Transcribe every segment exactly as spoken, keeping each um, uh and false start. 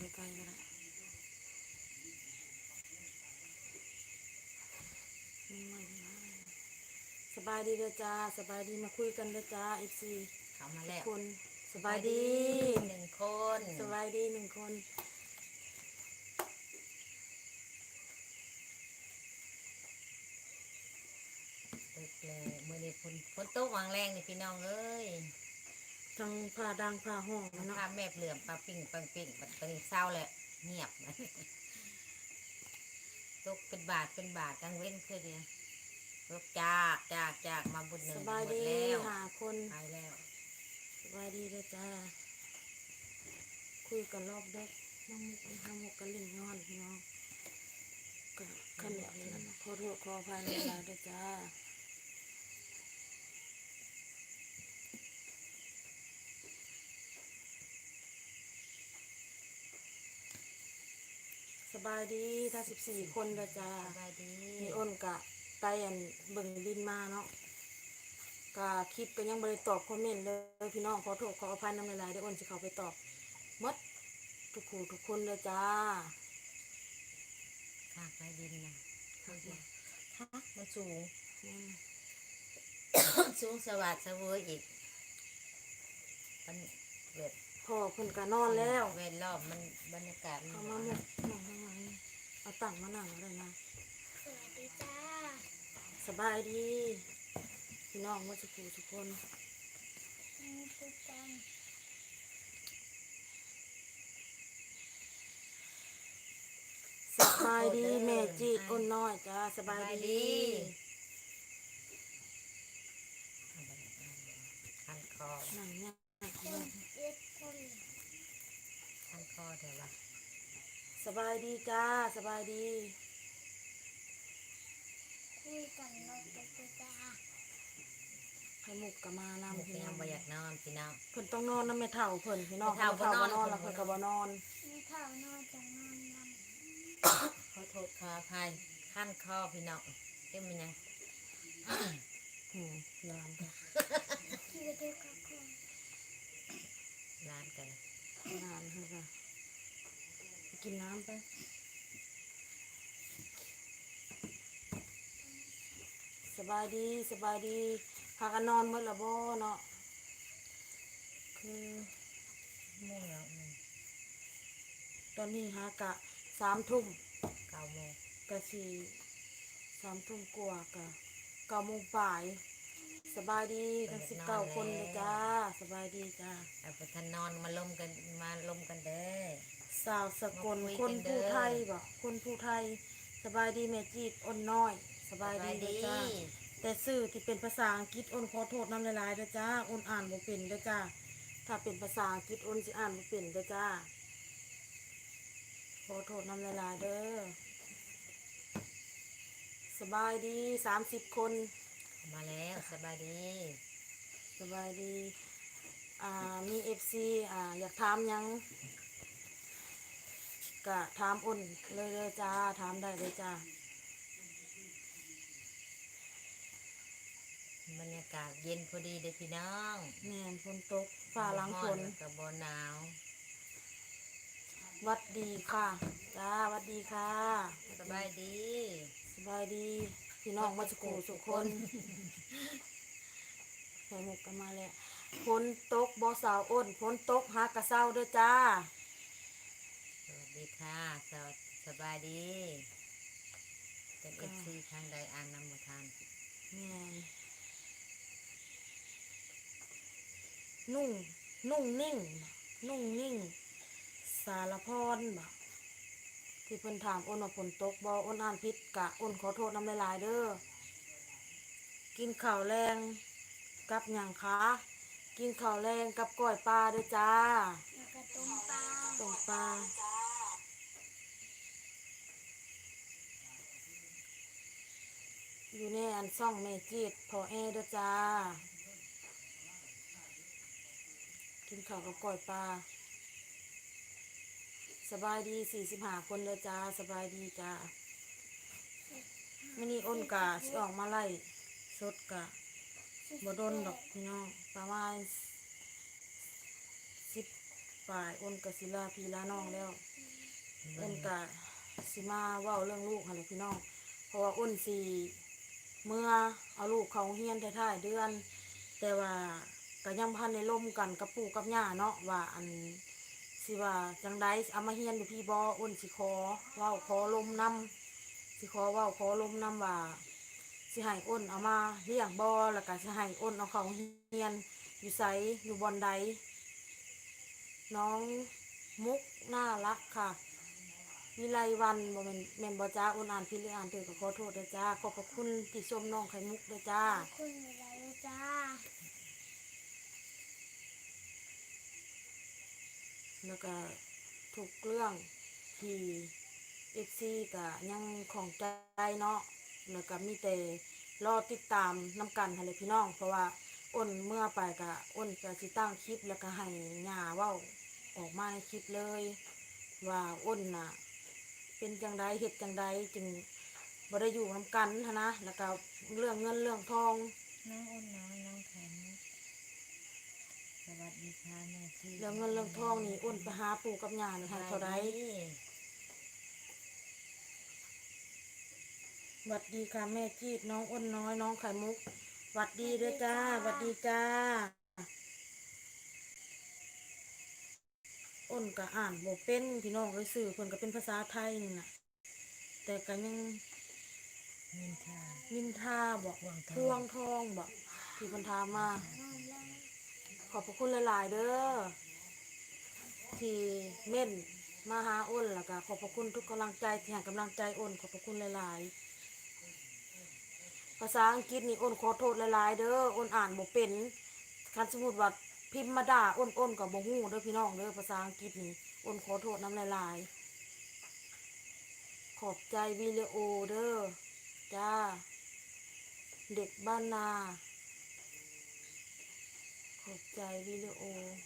ไกลๆก็ได้สบายดีเด้อจ้าสบายดีมาคุยกันเด้อจ้าเอฟซีเข้ามาแล้วคนสบายดีหนึ่งคนสบายดีหนึ่งคนตึกเลยมือนี้ฝนฝนตกวางแรงนี่พี่น้องเอ้ยทั้งผ้าดังผ้าห้องเนาะภาพแม่เหลื่อมปลาปิ่งปังปิ่งบัดตอนนี้เศร้าแล้วเงียบตกเป็นบาทเป็นบาทกังเว้นคือเดียวตกจากจากจากมาบุญหนึ่สงหบายดีมดแล้วหาคนไปแล้วสบายดีเด้อจ้าคุยกันรอบเด็กน้องมุกน้องมุกกันลิ่งนอนพี่น้องก็ขันเหนียวนั่นขอโทษขออภัยในหลายเด้อจ้าสบายดีถ้าสิบสี่คนเด้อจ้าสบายดีมีอ้นกะไปอันเบิ่งดินมาเนาะกะคลิปก็ยังบ่ได้ตอบคอมเมนต์เลยพี่น้องขอโทษขออภัยนำหลายๆเดี๋ยวอ้นสิเข้าไปตอบหมดทุกคู่ทุกคนเลยจ้าข้าไปดินนะฮะมันสูงอืมสูงสวัสดิ์สวยอีกมันแบบพ่อเพิ่นก็นอนแล้วเวรรอบมันบรรยากาศมันเอามาหมกหนังทั้งหลายเอาตั้งมานั่งอะไรนะสวัสดีจ้าสบายดีพี่น้องหมดทุกคู่ทุกคนนี่คือกันสบายดีแม่จีดอ้นน้อยจ้าสบายดีคันคอนั่งเนี่ยคนเอ็ดคนคันคอเดี๋ยวละสบายดีจ้าสบายดีคุยกันเราจะไปจ้าไข่มุกก็มานำพี่พี่น้น้ออง งบ่อยากนอนพี่น้องเพิ่นต้องนอนนำแม่เฒ่าเพิ่นพี่น้องแม่เฒ่าบ่นอนนอนแล้วเพิ่นก็บ่นอนมีเท่านอนจะนอนนขอโทษขออภัยคันคอพี่น้องเอ็มมันยังอืมร้านก็ำที่จะดูกับคนร้านกันร้านเพิ่นก็ไปกินน้ำไปสบายดีสบายดีพากันนอนหมดและบ่เนาะคือมุ่งแล้วหนึ่งตอนนี้หากะสามทุ่มเก้าโมงกะสี่สามทุ่มกว่ากะเก้าโมงบ่ายสบายดีทั้งสิบเก้าคนเลยจ้าสบายดีจ้าเอาไปทันนอนมาลมกันมาลมกันเด้อสาวสกลคนผู้ไทยบ่คนผู้ไทยสบายดีแม่จีดอ้นน้อย สบายดีเด้อจ้าแต่สื่อที่เป็นภาษาอังกฤษอ้นขอโทษน้ำหลายๆเด้อจ้าอ้นอ่านบ่เป็นเด้อจ้าถ้าเป็นภาษาอังกฤษอ้นสิอ่านบ่เป็นเด้อจ้าขอโทษน้ำหลายๆเด้อสบายดีสามสิบคนมาแล้วสบายดีสบายดีอ่ามีเอฟซีอ่าอยากถามหยังกะถามอ้นเลยเลยจ้าถามได้เลยจ้าบรรยากาศเย็นพอดีเด้อพี่น้องแม่นฝนตกฟ้าหลังฝนกับบหนาววัดดีค่ะจ้าวัดดีค่ะสบายดีสบายดีพี่น้องมาสุขสุขคนใส่หมวกกันมาแล้วฝนตกบ่สาวอ้นฝนตกหากระเซ้าเด้อจ้าสวัสดีค่ะสวัสสบายดีเป็นเอฟซีทางใดอ่านนำมาทานแม่นนุ่งนุ่งนิ่งนุ่งนิ่งสารพรบ่ที่เพิ่นถามอ้นว่าฝนตกบ่อ้นอ่านผิดกะอ้นขอโทษน้ำหลายๆเด้อกินข้าวแรงกับหยังคะกินข้าวแรงกับก้อยปลาเด้อจ้าแล้วก็ต้มปลาต้มปลาอยู่ในอันซ่องเมจิตพอแอเด้อจ้ากินข้าวกับก้อยปลาสบายดีสี่สิบห้าคนเลยจ้าสบายดีจ้าไม่นี่อ้นกะสิออกมาไล่สดกะบ่โดนดอกพี่น้องประมาณสิบฝ่ายอ้นกศิลาพีลาน้องแล้วอ้นกะสิมาเว้าเรื่องลูกหั่นแหละพี่น้องเพราะว่าอ้นสิเมื่อเอาลูกเขาเฮียนท้ายๆเดือน แต่ว่าก็ยังพันในล่มกันกับปู่กับย่าเนาะว่าอันสิว่าจังไดเอามาเฮียนอยู่พี่บ่อ้นสิขอเว้าขอลมนำสิขอเว้าขอลมนำว่าสิให้อ้นเอามาเลี้ยงบ่แล้วก็สิให้อ้นเอาเขาเฮียนอยู่ไสอยู่บอนใดน้องมุกน่ารักค่ะวิไลวันบ่แม่นแม่นบ่จ้าอ้นอ่านผิดหรืออ่านถูกก็ขอโทษด้วยจ้าขอบพระคุณที่ชมน้องไข่มุกด้วยจ้าขอบคุณเวลาเลยจ้าแล้วก็ทุกเรื่องที่เอฟซีก็ยังของใจเนาะแล้วก็มีแต่รอติดตามน้ำกันให้เลยพี่น้อง เพราะว่าอ้นเมื่อไปก็อ้นจะสิตั้งคลิปแล้วก็ให้หญ้าเว้าออกมาในคลิปเลย ว่าอ้นน่ะเป็นจังใดเฮ็ดจังใดจึงบ่ได้อยู่น้ำกันหั้นนะแล้วก็เรื่องเงินเรื่องทองน้องอ้นน้อยน้องแข็งสวัสดีค่ะแม่ที่เรื่องเงินเรื่องทองนี่อ้นไปหาปู่กับย่านี่ให้เท่าใด หวัดดีค่ะแม่จีดน้องอ้นน้อยน้องไข่มุกหวัดดีด้วยจ้าหวัดดีจ้าอ้นก็อ่านบ่เป็นพี่น้องเอ้ยสื่อเพิ่นก็เป็นภาษาไทยนี่น่ะแต่ก็ยังนินทานินทาบอกพวงทองพวงทองบอกที่เพิ่นถามมานอนแล้วขอบพระคุณหลายๆเด้อที่เม่นมาหาอ้นแล้วก็ขอบพระคุณทุกกำลังใจที่ให้กำลังใจอ้นขอบพระคุณหลายๆภาษาอังกฤษนี่อ้นขอโทษหลายๆเด้ออ้นอ่านบ่เป็นคันสมมุติว่าพิมพ์มาด่าอ้นอ้นก็บ่ฮู้เด้อพี่น้องเด้อภาษาอังกฤษนี่อ้นขอโทษนำหลายๆขอบใจวิดีโอเด้อจ้าเด็กบ้านนาขอบใจวิดีโอ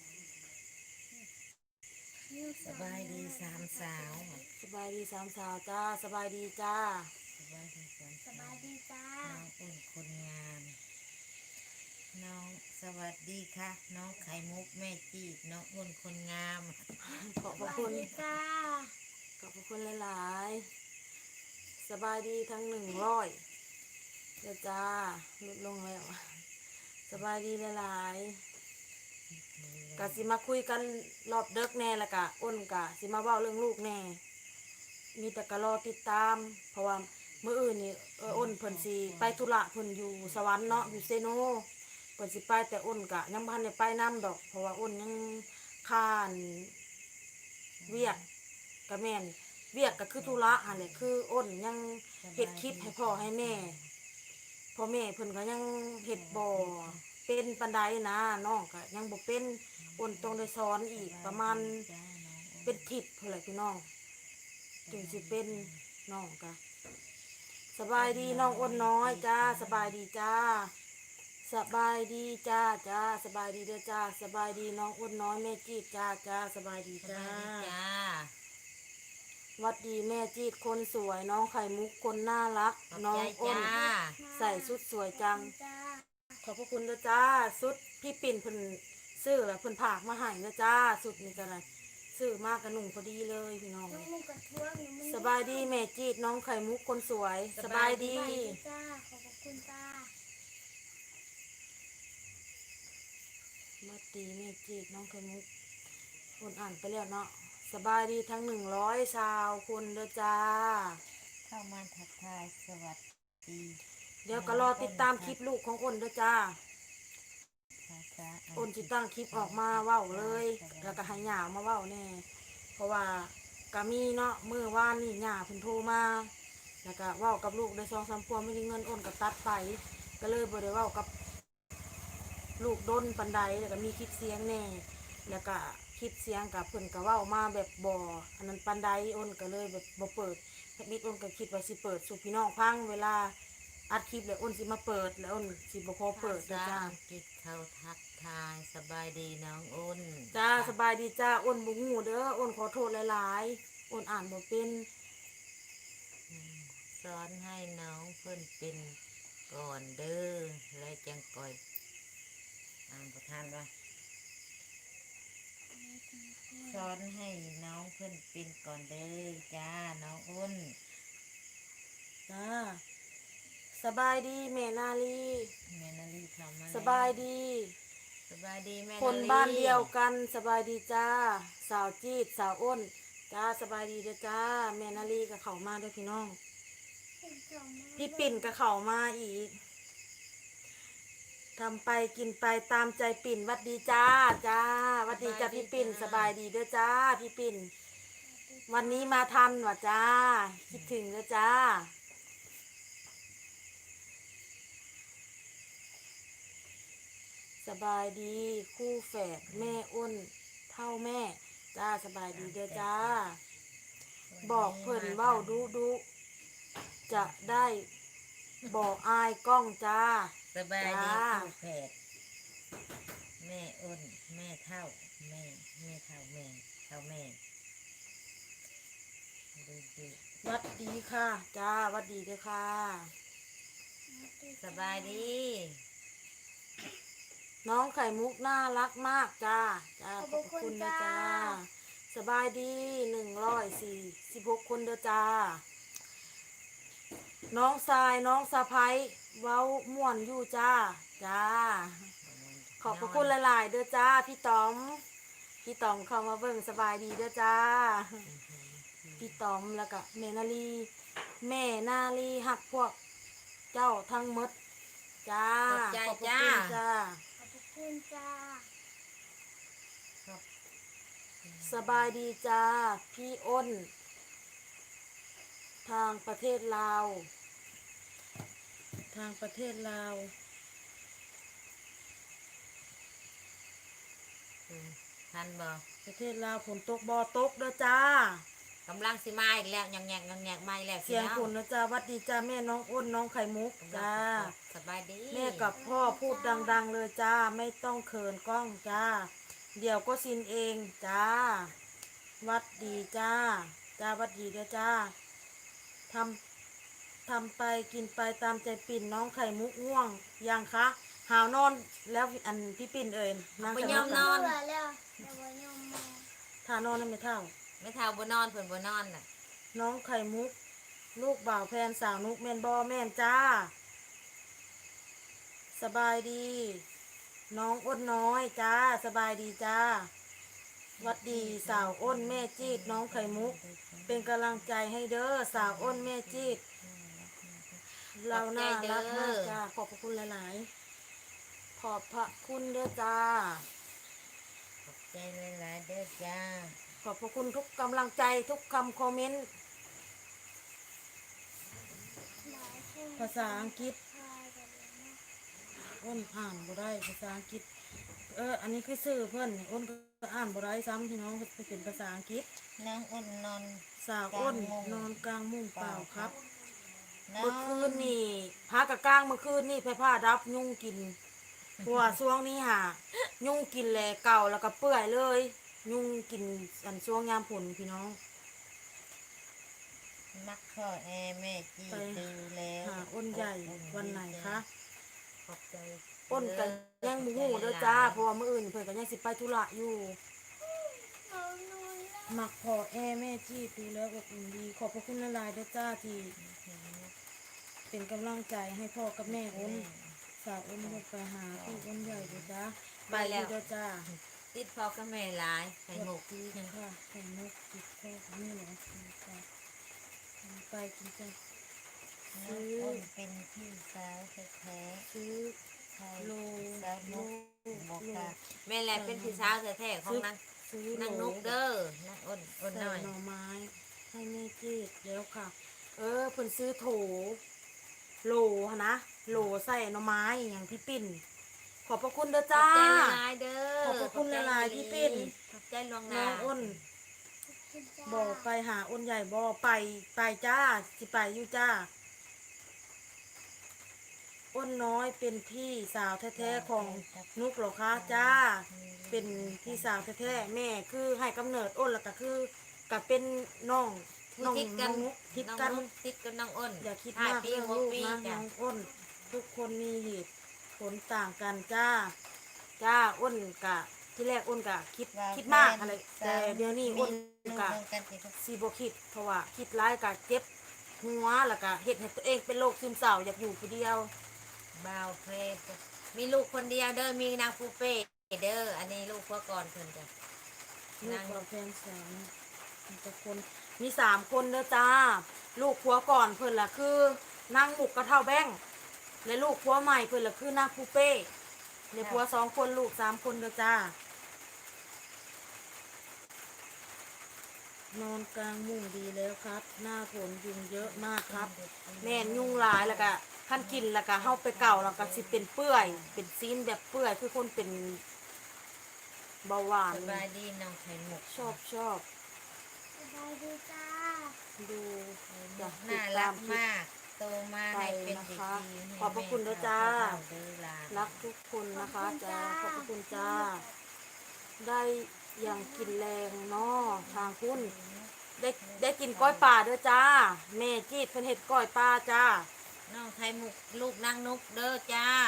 สบายดีสามสาวสบายดีสามสาวจ้าสบายดีจ้าสบายดีสามสสาบายว ดีจ้าน้องอ้นคนงามน้องสวัสดีค่ะน้องไข่มุกแม่จีดน้องอ้นคนงามขอบสพระบายคุณดีจ้าขอบพระคุณหลายๆสบายดีทั้งหนึ่งร้อยเดี๋ยวจ้าลดลงแล้วสบายดีหลายๆกะสิมาคุยกันรอบเด็กแน่และกะอ้นกะสิมาเว้าเรื่องลูกแน่มีแต่กะรอติดตาม เพราะว่ามื้ออื่นนี่เอออ้นเพิ่นสิไปธุระเพิ่นอยู่สวรรค์เนาะอยู่เซโนเพิ่นสิไปแต่อ้นกะยังบ่ทันได้ไปนํดอก เพราะว่าอ้นยังค้านเวียกกะแม่นเวียกก็คือธุระหั่นแหละคืออ้นยังเฮ็ดคลิปให้พ่อให้แม่พ่อแม่เพิ่นก็ยังเฮ็ดบ่เป็นปานใดนะน้องก็ยังบ่เป็นอ้นต้องได้สอนอีกประมาณเป็นทิศเท่าไหร่พี่น้องถึงสิเป็นน้องก็สบายดีน้องอ้นน้อยจ้าสบายดีจ้าสบายดีจ้าจ้าสบายดีเด้อจ้าสบายดีน้องอ้นน้อยแม่จีดจ้าจ้าสบายดีสจ้าบายดีจ้าหวัดดีแม่จีดคนสวยน้องไข่มุกคนน่ารักขอบน้อใจงอ้นจ้าใส่ชุดสวยจังจ้าขอบพระคุณนะจ้าชุดพี่ปิ่นเพิ่นซื้อแล้วเพิ่นผากมาให้นะจ้าชุดนี้ก็ได้ซื้อมากกระหนุ่งพอดีเลยพี่น้องน้องมุกกระท้วงอยู่สบายดีแม่จีดน้องไข่มุกคนสวยสบายดีสบายดีจ้า ขอบคุณจ้าหวัดดีแม่จีดน้องไข่มุกคนอ่านไปแล้วเนาะสบายดีทั้งหนึ่งร้อยชาวคนเด้อจ้าเข้ามาทักทายสวัสดีเดี๋ยวก็รอติดตามคลิปลูกของอ้นเด้อจ้าภาษาอังอ้นกจิฤษตั้งคลิปออกมาเว้าเลย แล้วก็ให้หย่ามาเว้าแน่เพราะว่าก็มีเนาะมื้อวานนี่หย่าเพิ่นโทรมาแล้วก็เว้ากับลูกได้สองสามพวงไม่ได้เงินอ้นก็ตัดไป ก็เลยบ่ได้เว้ากับลูกด้นปานใดแล้วก็มีคลิปเสียงแน่แล้วก็คลิปเสียงกับเพิ่นก็เว้ามาแบบบ่อันนั้นปานใดอ้นก็เลยแบบบ่เปิดบิดอ้นก็คิดว่าสิเปิดสู่พี่น้องฟังเวลาอัดคลิปแล้วอ้นสิมาเปิดแล้วอ้นสิบ่ขอเปิดภานะษาจ้าอังกฤษเขาทักทายสบายดีน้องอ้นจ้าสบายดีจ้าอ้นบ่ฮู้เด้ออ้นขอโทษหลายๆอ้นอ่านบ่เป็นอืมสอนให้น้องเพิ่นเป็นก่อนเด้อและจังก่อยอ่านประทานว่าสอนให้น้องเพิ่นเป็นก่อนเด้อจ้าน้องอ้นจ้าสบายดีแม่นาลีแม่นาลีเข้ามาแล้วสบายดีสบายดีแม่คนลีบ้านเดียวกันสบายดีจ้า สาวจีดสาวอ้นจ้าสบายดีเด้อจ้าแม่นาลีกับเขามาเด้วยพี่น้องเป็นสองมือพี่ปิ่นกับเขามาอีกทำไปกินไปตามใจปิ่นหวัดดีจ้าจ้าหวัดดีจ้าพี่ปิ่นสบายดีเด้อจ้าพี่ปิ่นวันนี้มาทันว่ะจ้าคิดถึงเด้อจ้าสบายดีคู่แฝดแม่อ้นเท่าแม่จ้าสบายดีเด้อจ้า บอกเพิ่นเว้าดูดูจะได้บอกอายกล้องจ้าสบายดีจ้าคู่แฝดแม่อ้นแม่เท่าแม่แม่เท่าแม่เท่าแม่ดูดูหวัดดีค่ะจ้าหวัดดีเด้อค่ะสบายดีน้องไข่มุกน่ารักมากจ้าจ้าขอบพระคุณนะจ้าสบายดีหนึ่งร้อยสี่สิบหกคนเด้อจ้า น้องทรายน้องสะพ้ายเว้าม่วนอยู่จ้าจ้า ขอบพระคุณหลายๆเด้อจ้าพี่ต๋อมพี่ต๋อมเข้ามาเบิ่งสบายดีเด้อจ้า พี่ต๋อมแล้วก็แม่นาลีแม่นาลีหักพวกเจ้าทั้งหมดจ้าขอบใจขอบพระจ้าคุณจ้าขอบคุณจ้าครับสบายดีจ้าพี่อ้น ทางประเทศลาว ทางประเทศลาวอืมทันบ่ประเทศลาวฝนตกบ่อตกเด้อจ้ากำลังสิมาอีกแล้วยังแงกยังแงกมาอีกแล้วเสียงพี่น้อฝนนะจ้าหวัดดีจ้าแม่น้องอ้นน้องไข่มุกกำลังจ้าสบายดีแม่กับพ่อพูดดังๆเลยจ้าไม่ต้องเขินกล้องจ้า เดี๋ยวก็ซินเองจ้าหวัดดีจ้าจ้าหวัดดีเด้อจ้าทำทำไปกินไปตามใจปิ่นน้องไข่มุกง่วงยังคะหาวนอนแล้วอันพี่ปิ่นเอ่ยนั่งไปสยอมนมาอนเบื่อแล้วแต่ว่ายอมมาถ้านอนนั่นไม่เท่าไม่เท่าบ่นอนเพิ่นบ่นอนน่ะน้องไข่มุก ลูกบ่าวแพนสาวนุกแมนบอแม่นจ้า สบายดี น้องอ้นน้อยจ้าสบายดีจ้าหวัดดีสาวอ้นแม่จีดน้องไข่มุก เป็นกำลังใจให้เด้อสาวอ้นแม่จีดเราน่ารักมากจ้าขอบพระคุณหลายๆขอบพระคุณเด้อจ้าขอบใจหลายๆเด้อจ้าขอบพระคุณทุกกำลังใจทุกคำคอมเมนต์หลายคนภาษาอังกฤษพายกันเลยนะอ้นอ่านบ่ได้ภาษาอังกฤษ เอออันนี้คือชื่อเพื่อนอ้นก็อ่านบ่ได้ซ้ำพี่น้องเป็นภาษาอังกฤษน้องอ้นนอนสาวอ้นนอนกลางมุ้งเปล่าครับน้อเมื่อคืนนี่พากะกลางเมื่อคืนนี่ไฟผ้าดับยุงกินเพราะว่าช่วงนี้หายุงกินแหลเก่าแล้วก็เปื่อยเลย ยุงกินอันช่วงยามฝนพี่น้องมักข้อแอแม่จีไปดูแล้วหาอ้นใหญ่วันไหนคะขอบใจอ้นกันยังมูหูเด้อจ้าเพราะว่ามื้ออื่นเพิ่นก็ยังสิไปธุระอยู่เอานอนแล้วมักพอแอแม่จี้ดูแล้วอบอุ่นดี ขอบพระคุณหลายๆเด้อจ้าที่เป็นกำลังใจให้พ่อกับแม่อ้นสาวอ้นลูกไปหาพี่อ้นใหญ่เด้อจ้าไปดีเด้อจ้าติดพอกับแม่หลายไข่หมกดีค่ะไข่มุกติดพ่อกับแม่เหรอจ้าไปกินจ้าน้องอ้นเป็นพี่สาวแท้ซื้อๆไทยโลสาวโลนุกบอกโลค่ะแม่แหละเป็นพี่สาวแท้ๆของนางซื้อโลนางนุกเด้อนางอ้นอ้นใส่น้อยหน่อไม้ให้แม่จีดแล้วค่ะ เออเพิ่นซื้อโถ โหลหะนะโหลใส่หน่อไม้อย่างพี่ปิ่น ขอบพระคุณเด้อขอบจ้าใจหลายๆเด้อขอบพระคุณหลายๆพี่ปิ้นขอบใจหลวงน้นาองอ้นคุณจ้าบอกไปหาอ้นใหญ่บอไปไปจ้าสิไปอยู่จ้า อ้นน้อยเป็นพี่สาวแท้ๆของนุกเหรอคะจ้า เป็นพี่สาวแท้ๆแม่คือให้กำเนิดอ้นแล้วก็คือกับเป็นน้องน้องทิศน้กัอน งนุกทิดน้องกันนุกทิศกันน้องอ้นอย่าคิดห้มากปีเรื่องหกลูกปีนะจ้ะน้องอ้น ทุกคนมีเหตุผลต่างกันจ้า จ้าอ้นกะที่แรกอ้นกะคิดว่าคิดมากแฟนอะไรสาวแต่เดี๋ยวนี้มีอ้นลูกกะเหมือนกันสิคะซีโบคิดเพราะว่าคิดร้ายกะเจ็บหัวแล้วก็เฮ็ดให้ตัวเองเป็นโรคซึมเศร้าอยากอยู่ผู้เดียวบ่าวเพลงมีลูกคนเดียวเด้อมีนางปูเป้เด้ออันนี้ลูกพ่อก่อนเพิ่นจ้ะลูกนางเราแพงแสนมีแต่คนมีสามคนเด้อจ้า ลูกผัวก่อนเพิ่นล่ะคือนางหมุกกระเท่าแบ้งและลูกผัวใหม่เพิ่นล่ะคือนางปูเป้และผัวสองคนลูกสามคนเด้อจ้านอนกลางมุ้งดีแล้วครับ หน้าฝนยุงเยอะมากครับ แม่นยุงหลายแล้วก็ขั้นกินแล้วก็เฮาไปเก่าแล้วก็สิเป็นเปื่อย เป็นซีนแบบเปื่อยคือคนเป็นเบาหวานสบายดีน้องไข่หมกชอบชอบสบายดีจ้าดูอยากติน่าดรัตาก มคลิปมากโตมาให้เป็นเด็กดีขอบพระคุณด้วยจ้าเด้อหลานรักทุกคนนะคะจ้าขอบพระคุณจ้า ได้อย่างกินแรงเนาะทางคุณได้ได้กินก้อยปลาด้วยจ้า แม่จีดเพิ่นเฮ็ดก้อยปลาจ้าน้องไข่หมกลูกนางนุกเด้อจ้าน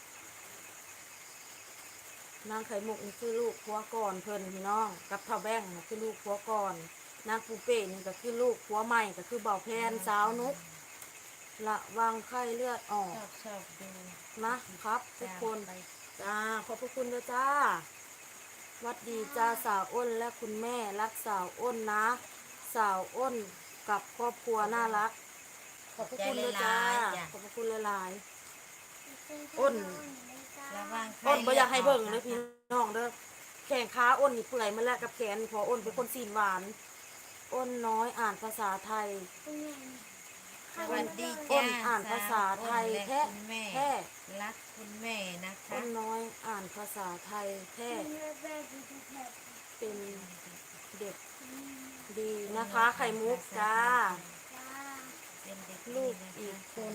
างไข่มุกนี่คือลูกผัวก่อนเพิ่นพี่น้องกับเท่าแบ้งนี่คือลูกผัวก่อนนางปูเป้นี่ก็คือลูกผัวใหม่ก็คือเบาแพนสาวนุกระวังไข้เลือดออชกอบชอบดูนะครับทุกคนไปจ้าขอบพระคุณด้วยจ้าหวัดดีจ้าสาวอ้นและคุณแม่รักสาวอ้นนะ สาวอ้นกับครอบครัวน่ารัก ขอบพระคุณด้วยจ้าขอบพระคุณหลาย อ้นระวังๆอ้นบ่อยากให้เบิ่งเลยพี่น้องเด้อแขนขาอ้นนี่เปื่อยมาแล้วกับแขนพออ้นเป็นคนซีนหวาน อ้นน้อยอ่านภาษาไทยสวัสดีอ้จ้านอ่านภาษาไทยแท้คุณแม่แท้รักคุณแม่นะคะอ้นน้อยอ่านภาษาไทยแท้เป็นเด็กดีนะคะ ไข่มุกจ้าเป็นเด็กลูกดีอีกนะคะคน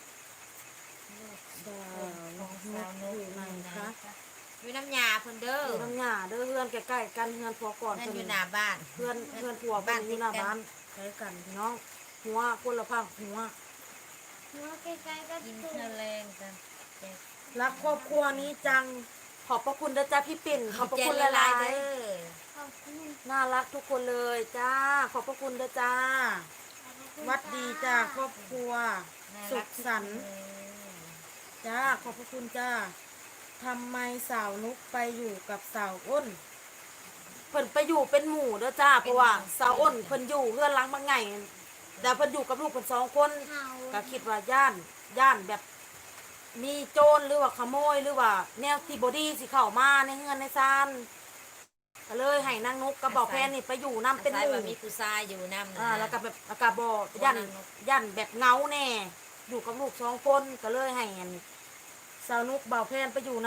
ดาของวสาวนุนุกกอยู่ไหนคะอยู่น้ำยาเพิ่นเด้ออยู่น้ำหยาเด้อเพื่อนใกล้ๆกันเพื่อนผัวก่อนนั่นเพิ่นอยู่หน้าบ้านเพื่อนเพื่อนผัวบ้านอยู่หน้าบ้านใช้กันพี่น้องหัวคนละพังหัวหัวใกล้ๆก็กินถูกเท่าแรงกันแจกรักครอบครัวนี้จังขอบพระคุณนะจ้าพี่ปิ่นขอบพระคุณหละลายเด้อขอบคุณๆน่ารักทุกคนเลยจ้าขอบพระคุณนะจ้าขอบคุณวัดดีจ้าครอบครัวน่าสุรัขกทุกสันต์คนเลยจ้าขอบพระคุณจ้าทำไมสาวนุกไปอยู่กับสาวอ้นเพิ่นไปอยู่เป็นหมู่เด้อจ้าเพราะว่าสาวอ้นเพิ่นอยู่เพื่อนหล้างบางไงแต่เพิ่นอยู่กับลูกเพิ่นสองคนเห่าก็คิดว่าย่านย่านแบบมีโจรหรือว่าขโมยหรือว่าแนวที่บอดี้สิเข้ามาในเฮือนในซานก็เลยให้นางนกกับบอกแพนนี่ไปอยู่น้ำเป็นหอาศัยมู่ว่ามีผู้ชายอยู่นำนะอ่าแล้วก็แบบแล้วก็บอย่านย่านแบบเงาแน่อยู่กับลูกสองคนก็เลยให้อันสาวนุกบ่าวแพนไปอยู่น้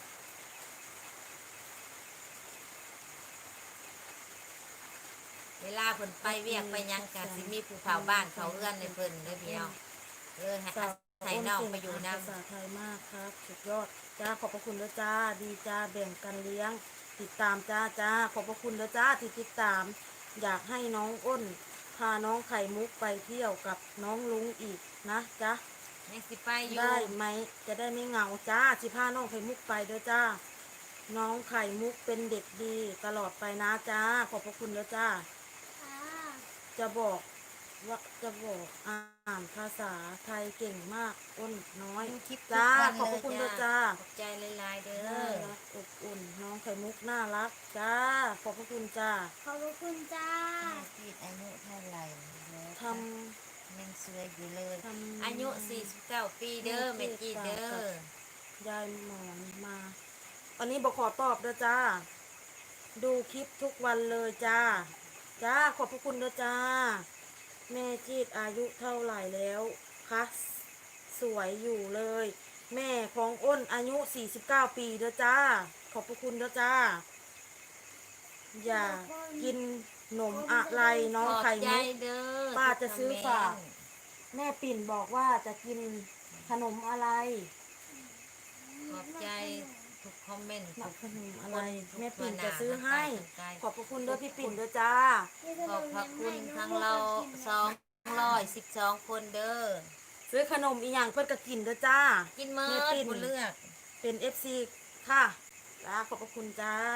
เวลาเพิ่นไปเวียกไปหยังกันสิมีผู้เผาบ้านเผาเรือนในเพิ่นเด้อพี่น้องเออให้ำสาวให้น้องไปอยู่ภานำษาไทยมากครับสุดยอดจ้าขอบพระคุณด้วยจ้าดีจ้าแบ่งกันเลี้ยง ติดตามจ้าจ้าขอบพระคุณด้วยจ้าที่ติดตาม อยากให้น้องอ้น พาน้องไข่มุกไปเที่ยวกับน้องลุงอีกนะจ๊ะยังสิไปอยู่ได้ไหมจะได้ไม่เหงาจ้าสิพาน้องไข่มุกไปเด้อจ้า น้องไข่มุกเป็นเด็กดีตลอดไปนะจ้าขอบพระคุณเด้อจ้าอ่าจะบอกว่าจะบอกอ่านภาษาไทยเก่งมากอ้นน้อยคลิปจ้าทุกวันขอบพระคุณเด้อจ้าขอบใจหลายๆเด้น่าอรักอบอุ่น น้องไข่มุกน่ารักจ้าขอบพระคุณจ้าขอบคุณจ้าพี่อายุเท่าไหร่แล้วทยังสวยอยู่เลยำทำอายุสี่สิบเก้าปีเด้อแม่จีเด้อยายหมอนมาอันนี้บอกขอตอบเด้อจ้า ดูคลิปทุกวันเลยจ้า จ้าขอบพระคุณเด้อจ้า แม่จีดอายุเท่าไหร่แล้วคะสวยอยู่เลย แม่ของอ้นอายุสี่สิบเก้าปีเด้อจ้า ขอบพระคุณเด้อจ้า อย่ากินหนมอะไรน้องขอบไข่ใจมุกเด้อป้าจะซื้อฝากทุคอมเมนต์แม่ปิ่นบอกว่าจะกินขนมอะไรขอบใจทุกคอมเมนต์หนัทุกกขนมอะไรทุกแม่ปิ่นตัวหจะซื้อให้ทั้งกายขอบพระคุณเด้อพี่ปิ่นเด้อจ้าขอบพระคุณทั้งเราสองร้อยสิบสองคนเด้อซื้อขนมอีหยังเพื่อนก็กินเด้อจ้ากินเมิแม่ดปิ่นบุเลือกเป็นเอฟซีค่ะจ้าขอบพระคุณจ้า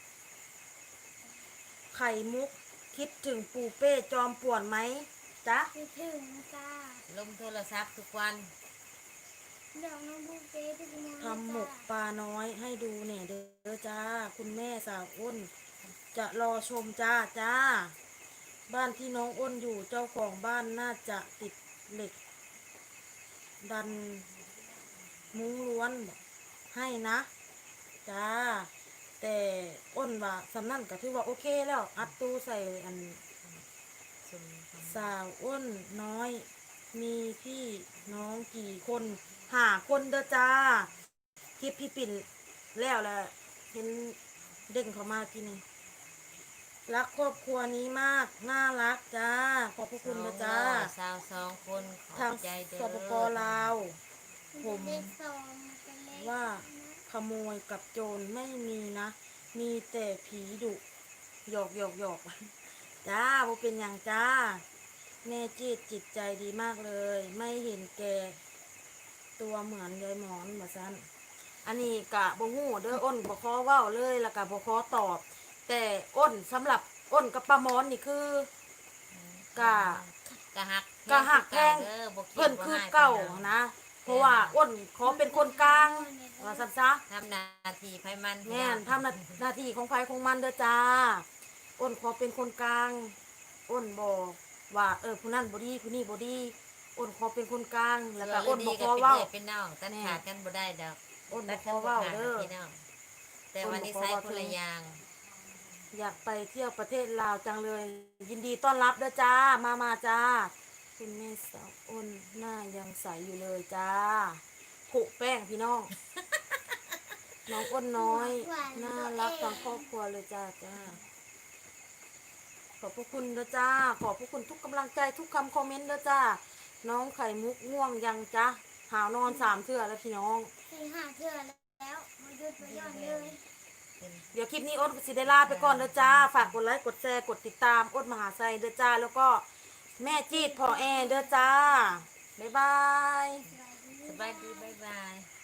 ไข่มุกคิดถึงปูเป้จอมป่วนไหมจ๊ะคิดถึงจ้าลงโทรศัพท์ทุกวันเดี๋ยวน้องบูเป้ทุกคนทำหมกปลาน้อยให้ดูเนี่ยเด้อจ้า คุณแม่สาวอ้น จะรอชมจ้าจ้า บ้านที่น้องอ้นอยู่เจ้าของบ้านน่าจะติดเหล็ก ดันมุ้งล้วนให้นะจ้า แต่อ้นว่าสำนั่นก็ถือว่าโอเคแล้ว อัดตู้ใส่อันซุมทำสาวอ้นน้อย มีพี่น้องกี่คนหาคนเด้อจ้าคลิปพี่ปิ่นแล้วแหละเห็นเด้งเขามาทีนี้รักครอบครัวนี้มาก น่ารักจ้า ขอบพระคุณนะจ้าสาวสองคนขอทางบใจเด้อสปปลาว ผมเลขสองเป็นเลขว่าขโมยกับโจรไม่มีนะ มีแต่ผีดุหยอกหยอกหยอกจ้าบ่เป็นอย่างจ้า แม่จีดจิตใจดีมากเลย ไม่เห็นแก่ตัวเหมือนยายหมอนมาซันอันนี้กะบ่ฮู้เด้ออ้นบ่ขอเว้าเลยแล้วก็บ่ขอตอบ แต่อ้นสำหรับอ้นกับป้าหมอนนี่คือ กะกะหักกะหักแพงเด้อบ่คิดเพิ่นบ่คือให้เก่าพิ่นนะ เพราะว่าอ้นขอเป็นคนกลางว่าซั่นซะทำหนาทีไพมันแม่นทำหน้าหน้าที่ของไฟของมันเด้อจ้า อ้นขอเป็นคนกลาง อ้นบอกว่าเออผู้นั้นบ่ดีผู้นี้บ่ดี อ้นขอเป็นคนกลาง แล้วก็อ้นบ่ขอเว้าเป็นน้องตัดขาดกันบ่ได้ดอกอ้นบ่ตัดขอเว้าเด้อพี่น้องแต่วันนี้ใส่คนละอย่างอยากไปเที่ยวประเทศลาวจังเลย ยินดีต้อนรับเด้อจ้า มามาจ้า คุณแม่สาวอ้นหน้ายังใสอยู่เลยจ้าผุแป้งพี่น้อง น้องอ้นน้อย น่ารักทั้งครอบครัวเลยจ้าจ้า ขอบพระคุณเด้อจ้า ขอบพระคุณทุกกำลังใจทุกคำคอมเมนต์เด้อจ้า น้องไข่มุกง่วงยังจ้าหาวนอนสามเทื่อแล้วพี่น้องสี่ห้าเทื่อแล้วมาหยุดมาย่อนเลยเดี๋ยวคลิปนี้อ้นสิได้ลาไปก่อนเด้อจ้า ฝากกดไลค์กดแชร์กดติดตามอ้นมหาไซเด้อจ้า แล้วก็แม่จีดพ่อแอเด้อจ้า บ๊ายบายสบายดีบ๊ายบาย